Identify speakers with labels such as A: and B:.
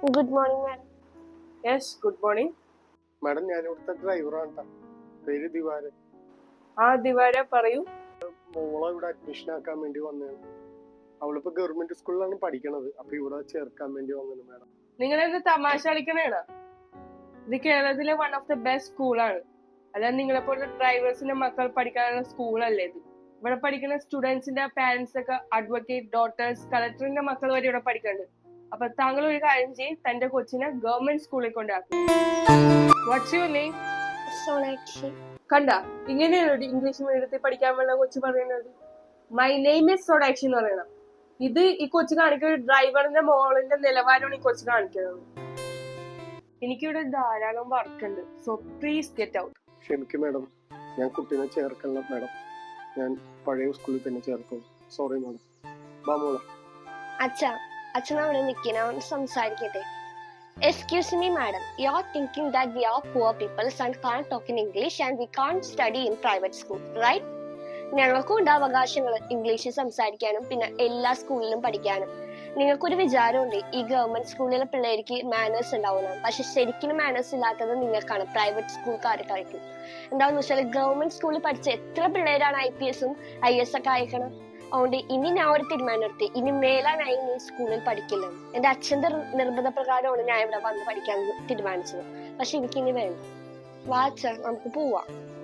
A: Good morning madam.
B: Yes, good morning.
C: Madam, ഞാൻ ഇവിടുത്തെ ഡ്രൈവറാണ്. പേര് ദിവാരൻ.
B: ദിവാര, പറയൂ.
C: മോളെ ഇവിടെ അഡ്മിഷൻ ആക്കാൻ വേണ്ടി വന്നതാണ്. അവളിപ്പോ ഗവൺമെന്റ് സ്കൂളിലാണ് പഠിക്കണത്. അപ്പൊ ഇവിടെ ചേർക്കാൻ വേണ്ടി വന്നത് മാഡം.
B: നിങ്ങൾ എന്ത് തമാശ കളിക്കണേണ്? ഇത് കേരളത്തിലെ വൺ ഓഫ് ദ ബെസ്റ്റ് സ്കൂളാണ്. അല്ലാതെ നിങ്ങളെ പോലത്തെ ഡ്രൈവേഴ്സിന്റെ മക്കൾ പഠിക്കാനുള്ള സ്കൂളല്ലേ ഇത്. ഇവിടെ പഠിക്കുന്ന സ്റ്റുഡൻസിന്റെ പാരന്റ്സ് ഒക്കെ അഡ്വക്കേറ്റ്, ഡോക്ടേഴ്സ്, കളക്ടറിന്റെ മക്കൾ വരെ ഇവിടെ പഠിക്കുന്നുണ്ട്. അപ്പൊ താങ്കൾ ഒരു കാര്യം ചെയ്യും, തന്റെ കൊച്ചിനെ ഗവൺമെന്റ് സ്കൂളിൽ കൊണ്ടാക്കും. What's your name?
A: സോണാക്ഷി.
B: കണ്ട, ഇങ്ങനെയാണ് ഇംഗ്ലീഷ് മീഡിയത്തിൽ പഠിക്കാൻ വേണ്ട കൊച്ചു പറയുന്നത്. മൈ നെയിം ഇസ് സോണാക്ഷി എന്ന് പറയണം. ഇത് ഈ കൊച്ചു കാണിക്കുന്ന ഡ്രൈവറിന്റെ മോളിന്റെ നിലവാരമാണ് ഈ കൊച്ചു കാണിക്കുന്നത്. എനിക്കിവിടെ ധാരാളം വർക്ക് ഉണ്ട്, സോ പ്ലീസ് ഗെറ്റ് ഔട്ട്.
C: ക്ഷമിക്കും മാഡം, ഞാൻ കുട്ടീനെ ചേർക്കണം മാഡം. ഞാൻ പഴയ സ്കൂളിൽ തന്നെ ചേർക്കും. Sorry madam. വാ മോളെ.
A: അച്ഛൻ അവിടെ നിൽക്കുന്ന, അവൻ സംസാരിക്കട്ടെ. Excuse me, madam. You're thinking that we are poor people and can't talk in English and we can't study in private school, right? ഞങ്ങൾക്കും ഉണ്ട് അവകാശങ്ങൾ, ഇംഗ്ലീഷിൽ സംസാരിക്കാനും പിന്നെ എല്ലാ സ്കൂളിലും പഠിക്കാനും. നിങ്ങൾക്കൊരു വിചാരമുണ്ട് ഈ ഗവൺമെന്റ് സ്കൂളിലെ പിള്ളേർക്ക് മാനേഴ്സ് ഉണ്ടാവുന്നതാണ്. പക്ഷെ ശരിക്കും മാനേഴ്സ് ഇല്ലാത്തത് നിങ്ങൾക്കാണ്, പ്രൈവറ്റ് സ്കൂൾക്കാർക്കായിരിക്കും. എന്താണെന്ന് വെച്ചാൽ ഗവൺമെന്റ് സ്കൂളിൽ പഠിച്ച എത്ര പിള്ളേരാണ് IPS IAS ഒക്കെ അയക്കണം. അതുകൊണ്ട് ഇനി ഞാൻ ഒരു തീരുമാനം എടുത്തി, ഇനി മേലാനായി നീ സ്കൂളിൽ പഠിക്കില്ല. എന്റെ അച്ഛന്റെ നിർബന്ധ പ്രകാരമാണ് ഞാൻ ഇവിടെ വന്ന് പഠിക്കാൻ തീരുമാനിച്ചത്. പക്ഷെ എനിക്കിനി വേണ്ട. വാച്ച, നമുക്ക് പോവാം.